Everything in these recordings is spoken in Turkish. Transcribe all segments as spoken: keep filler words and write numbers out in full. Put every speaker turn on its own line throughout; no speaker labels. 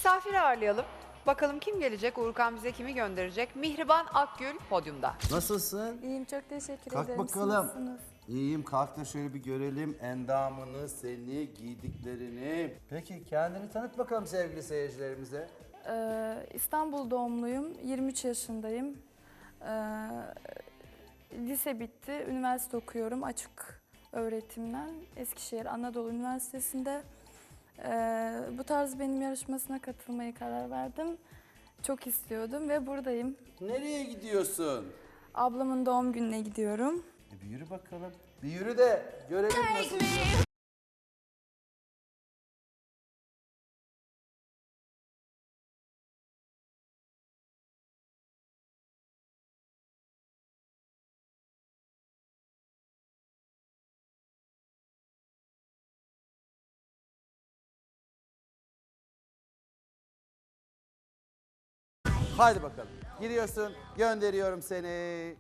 misafir ağırlayalım. Bakalım kim gelecek? Uğurkan bize kimi gönderecek? Mihriban Akgül podyumda.
Nasılsın?
İyiyim, çok teşekkür
Kalk
ederim. Siz
bakalım.
nasılsınız?
İyiyim, kalk da şöyle bir görelim endamını, seni, giydiklerini. Peki kendini tanıt bakalım sevgili seyircilerimize.
Ee, İstanbul doğumluyum, yirmi üç yaşındayım. Ee, lise bitti, üniversite okuyorum açık öğretimden. Eskişehir Anadolu Üniversitesi'nde. Ee, bu tarz benim yarışmasına katılmaya karar verdim. Çok istiyordum ve buradayım.
Nereye gidiyorsun?
Ablamın doğum gününe gidiyorum.
E bir yürü bakalım. Bir yürü de görelim nasıl. Haydi bakalım. Gidiyorsun, gönderiyorum seni.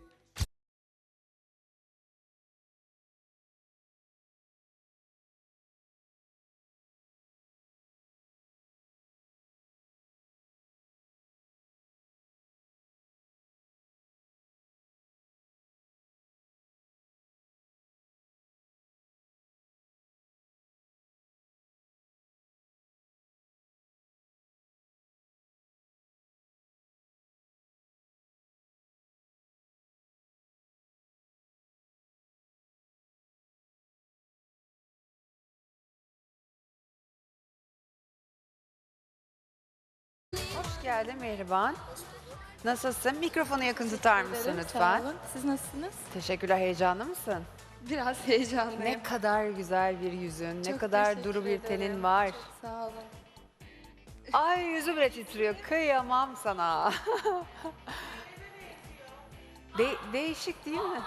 Hoş geldin Mihriban. Nasılsın? Mikrofonu yakın tutar mısın
Ederim,
lütfen?
sağ olun. Siz nasılsınız?
Teşekkürler. Heyecanlı mısın?
Biraz heyecanlıyım.
Ne kadar güzel bir yüzün, ne
Çok
kadar
teşekkür
duru bir tenin
ederim.
var.
Çok sağ olun.
Ay yüzü bile titriyor. Kıyamam sana. De- değişik değil mi?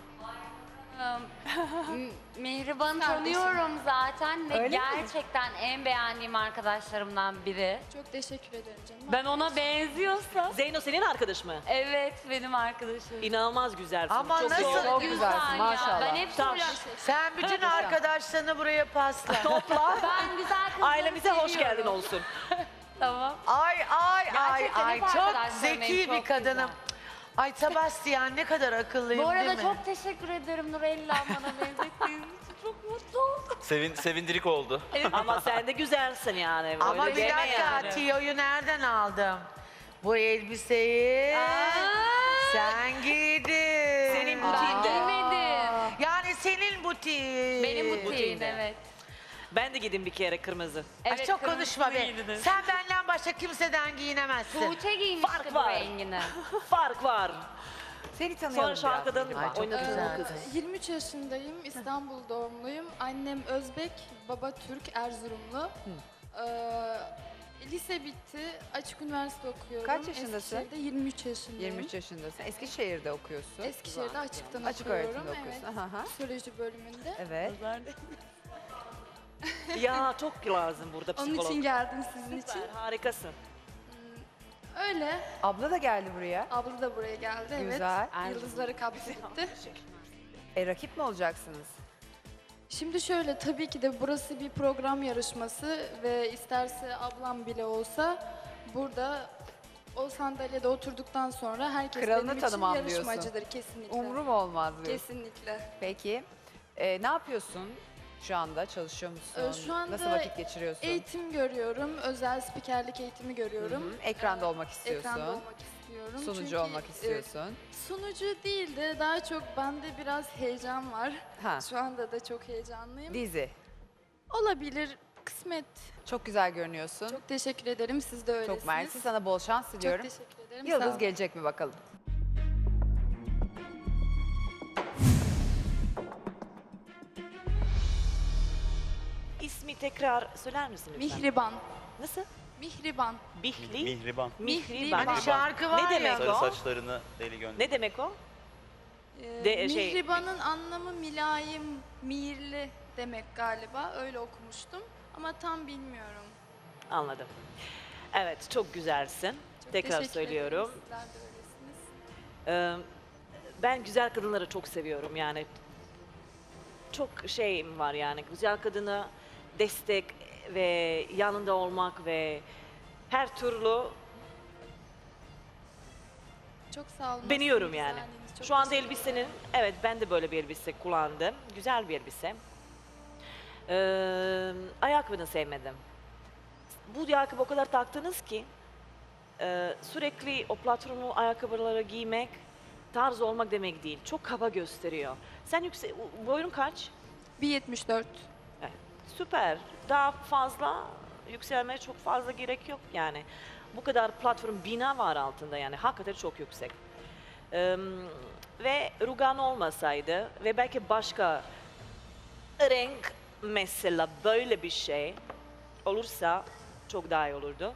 M- Mihriban'ı tanıyorum zaten ve
Öyle mi?
gerçekten en beğendiğim arkadaşlarımdan biri.
Çok teşekkür ederim canım.
Ben ona benziyorsam,
Zeyno senin arkadaş mı?
evet benim arkadaşım.
İnanılmaz güzelsin.
Ama
Çok
nasıl-
iyi.
Çok
Güzel
güzelsin
ya.
maşallah.
Ben hep
Tamam.
soruyorum.
Sen bütün arkadaşlarını buraya pasla.
Topla.
Ben güzel kızları
Ailemize hoş
seviyorum.
geldin olsun.
Tamam.
Ay ay ay
Gerçekten
ay
hep
çok
arkadaşlarım benim,
zeki bir
çok
kadınım. Ay Sebastian ne kadar akıllıyım
Bu
değil
arada
mi?
çok teşekkür ederim Nurella bana benzettiğiniz için. Çok mutlu oldum.
Sevin, sevindirik oldu.
Ama sen de güzelsin yani.
Ama
Öyle
bir
deme
dakika
yani.
tiyoyu nereden aldım? Bu elbiseyi sen giydin.
Senin
Ben
butiğinde.
giymedim.
Yani senin butiğin.
Benim butiğim
butiğinde.
evet.
Ben de giydim bir kere kırmızı.
Ay
Evet,
çok
kırmızı
konuşma be.
giydiniz.
Sen benden başka kimseden giyinemezsin.
Tuğçe giymişti
Fark
bu
var.
rengini.
Fark var.
Seni tanıyalım
Sonra
biraz.
şarkıdan
Mihriban.
oynatılır
güzel.
kız.
yirmi üç yaşındayım, İstanbul doğumluyum. Annem Özbek, baba Türk, Erzurumlu. Ee, lise bitti, açık üniversite okuyorum.
Kaç yaşındasın?
Eskişehir'de yirmi üç yaşındayım.
yirmi üç yaşındasın. Eskişehir'de okuyorsun.
Eskişehir'de açıktan
Açık
okuyorum.
öğretimde okuyorsun.
Evet.
Aha, aha.
Psikoloji bölümünde.
Evet.
Ya çok lazım burada
Onun
psikolog.
için geldim sizin için.
Süper, harikasın.
Öyle.
Abla da geldi buraya.
Abla da buraya geldi.
Güzel.
Evet. Yıldızları kaptı gitti.
E rakip mi olacaksınız?
Şimdi şöyle, tabii ki de burası bir program yarışması ve isterse ablam bile olsa burada o sandalyede oturduktan sonra herkes
Kralını
benim için
tanımam diyorsun.
yarışmacıdır kesinlikle.
Umrum olmaz diyorsun.
Kesinlikle.
Peki. E, ne yapıyorsun şu anda? Çalışıyor musun?
Ee, şu anda
Nasıl vakit geçiriyorsun?
Eğitim görüyorum, özel spikerlik eğitimi görüyorum.
Hı hı. Ekranda olmak istiyorsun.
Ekranda olmak istiyorum.
Sunucu
Çünkü,
olmak
e,
istiyorsun.
sunucu değil de daha çok bende biraz heyecan var.
Ha.
Şu anda da çok heyecanlıyım.
Dizi.
Olabilir, kısmet.
Çok güzel görünüyorsun. Çok,
Çok teşekkür ederim, siz de öylesiniz.
mersi. Sana bol şans
Çok
diliyorum.
teşekkür ederim. sağ
Yıldız
olun.
gelecek mi bakalım?
İsmi tekrar söyler misin lütfen?
Mihriban.
Nasıl?
Mihriban.
Bihli.
Mihriban.
Mihriban.
Hani şarkı var
Ne
ya.
demek
Sarı
o?
saçlarını deli gönder.
Ne demek o?
Ee,
De- şey-
Mihriban'ın anlamı mülayim, mihirli demek galiba. Öyle okumuştum. Ama tam bilmiyorum.
Anladım. Evet, çok güzelsin.
Çok
Tekrar
teşekkür
söylüyorum.
ederim. Sizler de öylesiniz.
Ee, ben güzel kadınları çok seviyorum yani. Çok şeyim var yani. Güzel kadına destek ve yanında olmak ve her türlü
Çok sağ olun.
Deniyorum
Nasıl
yani.
güzelliğiniz, çok
Şu anda
teşekkür
elbisenin, evet ben de böyle bir elbise kullandım. Güzel bir elbise. Ee, ayakkabını sevmedim. Bu ayakkabı o kadar taktınız ki e, sürekli o platformlu ayakkabıları giymek tarz olmak demek değil. Çok kaba gösteriyor. Sen yüksek, boyun kaç?
bir yetmiş dört.
Evet, süper. Daha fazla yükselmeye çok fazla gerek yok yani. Bu kadar platform bina var altında yani hakikaten çok yüksek. Ee, ve rugan olmasaydı ve belki başka renk mesela böyle bir şey olursa çok daha iyi olurdu.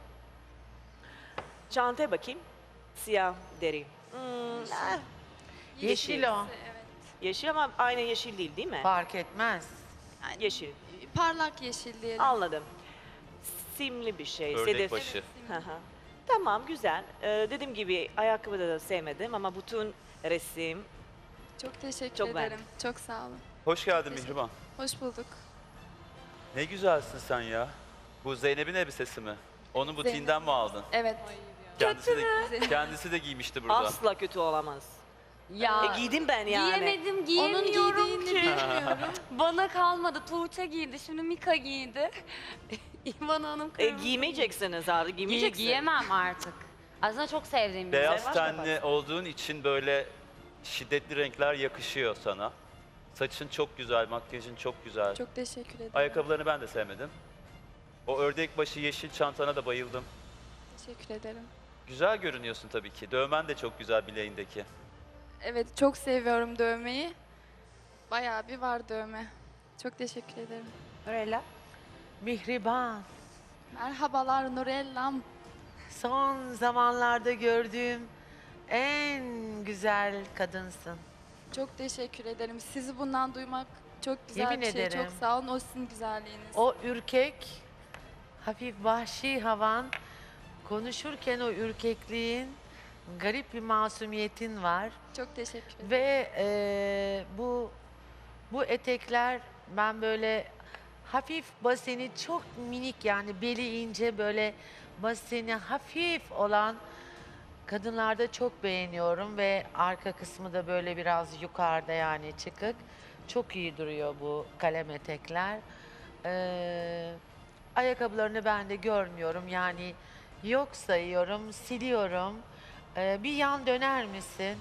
Çantaya bakayım. Siyah deri. Hmm, ah,
Yeşil o.
yeşil ama aynı yeşil değil değil mi?
Fark etmez.
Yeşil.
Parlak yeşil diyelim.
Anladım. Simli bir şey.
Ördek
sedef.
başı.
Hı hı. Tamam güzel. Ee, dediğim gibi ayakkabı da sevmedim ama bütün resim
Çok teşekkür
Çok
ederim.
beğendim.
Çok sağ olun.
Hoş geldin
Teşekkür-
Mihriban.
Hoş bulduk.
Ne güzelsin sen ya. Bu Zeynep'in elbisesi mi? Onun butiğinden mi aldın?
Evet.
Kendisi de, kendisi de giymişti burada.
asla kötü olamaz.
Ya
E, giydim ben yani.
giyemedim,
Onun
giyemiyorum
giydiğini
ki.
bilmiyorum.
Bana kalmadı. Tuğçe giydi, şimdi Mika giydi. İvan Hanım
E,
kırmızı
giymeyeceksiniz artık.
giydi.
Giymeyeceksin.
Giyemem artık. Aslında çok sevdiğim bir
Beyaz
Sen var
tenli olduğun için böyle şiddetli renkler yakışıyor sana. Saçın çok güzel, makyajın çok güzel.
Çok teşekkür ederim.
Ayakkabılarını ben de sevmedim. O ördek başı yeşil çantana da bayıldım.
Teşekkür ederim.
Güzel görünüyorsun tabii ki. Dövmen de çok güzel bileğindeki.
Evet, çok seviyorum dövmeyi. Bayağı bir var dövme. Çok teşekkür ederim.
Nurella.
Mihriban.
Merhabalar Nurellam.
Son zamanlarda gördüğüm en güzel kadınsın.
Çok teşekkür ederim. Sizi bundan duymak çok güzel
Yemin
bir şey.
ederim.
Çok sağ olun. O sizin güzelliğiniz.
O ürkek, hafif vahşi havan, konuşurken o ürkekliğin, garip bir masumiyetin var.
Çok teşekkür ederim.
Ve eee, bu bu etekler ben böyle hafif baseni çok minik yani beli ince böyle baseni hafif olan kadınlarda çok beğeniyorum ve arka kısmı da böyle biraz yukarıda yani çıkık. Çok iyi duruyor bu kalem etekler. Eee, ayakkabılarını ben de görmüyorum yani yok sayıyorum, siliyorum. Eee, bir yan döner misin?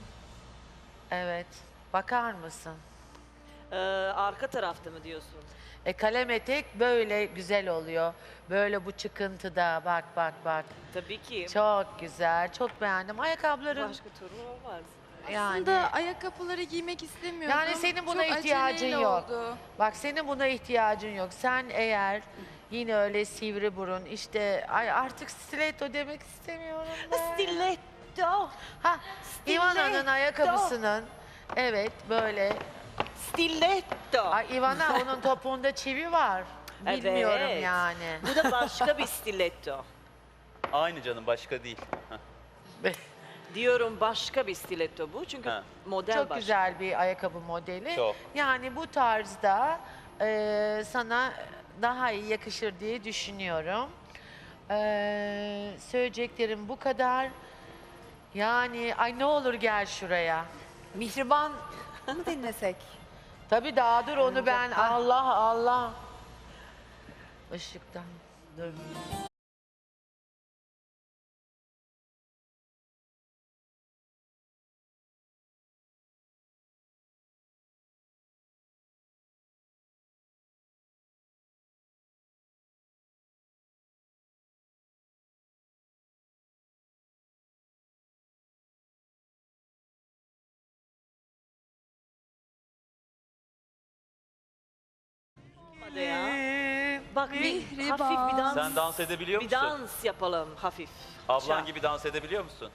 Evet. Bakar mısın?
Ee, arka tarafta mı diyorsun?
E kalem etek böyle güzel oluyor. Böyle bu çıkıntıda bak bak bak.
Tabii ki.
Çok güzel. Çok beğendim. Ayakkabıların
Başka türlü olmaz.
yani.
Aslında ayakkabıları giymek istemiyordum.
Yani senin buna
Çok
ihtiyacın
aceleyle
yok.
oldu.
Bak senin buna ihtiyacın yok. Sen eğer yine öyle sivri burun işte ay artık stiletto demek istemiyorum ben.
Stiletto.
Ha, Ivana'nın
Stiletto.
ayakkabısının evet böyle.
Stiletto.
Ay Ivana onun topuğunda çivi var. Bilmiyorum
Evet.
yani.
Bu da başka bir stiletto.
Aynı canım, başka değil. Heh.
Diyorum başka bir stiletto bu çünkü
Ha.
model
Çok
başka.
güzel bir ayakkabı modeli.
Çok.
Yani bu tarzda e, sana daha iyi yakışır diye düşünüyorum. E, söyleyeceklerim bu kadar. Yani ay ne olur gel şuraya.
Mihriban mı dinlesek?
Tabii daha dur onu ben Allah Allah. Işıktan dur.
Olmadı ya. Bak bir
Mihriban.
hafif bir dans.
Sen dans edebiliyor
Bir
musun?
dans yapalım hafif.
Ablan
Şak.
gibi dans edebiliyor musun?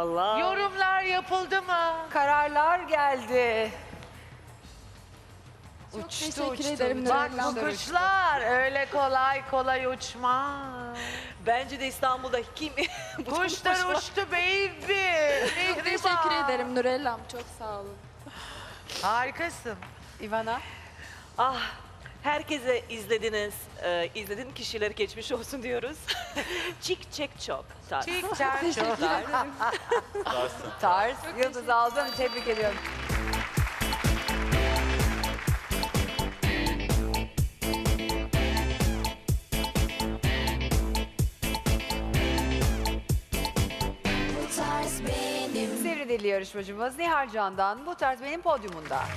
Allah.
Yorumlar yapıldı mı?
Kararlar geldi.
Çok
Uçtu,
teşekkür
uçtu,
ederim
uçtu,
Bak
Nurella.
bu kuşlar öyle kolay kolay uçmaz.
Bence de İstanbul'da kim?
Kuşlar uçtu baby.
Çok teşekkür ederim Nurellam. Çok sağ olun.
Harikasın.
Ivana.
Ah, herkese izlediniz, e, izlediğin kişileri geçmiş olsun diyoruz. Çik çek çok. Tarz.
Çik çak çok.
Varsın.
Tarz. Yıldız aldın. Tebrik ediyorum. Sivri dilli yarışmacımız Nihal Can'dan Bu Tarz Benim podyumunda.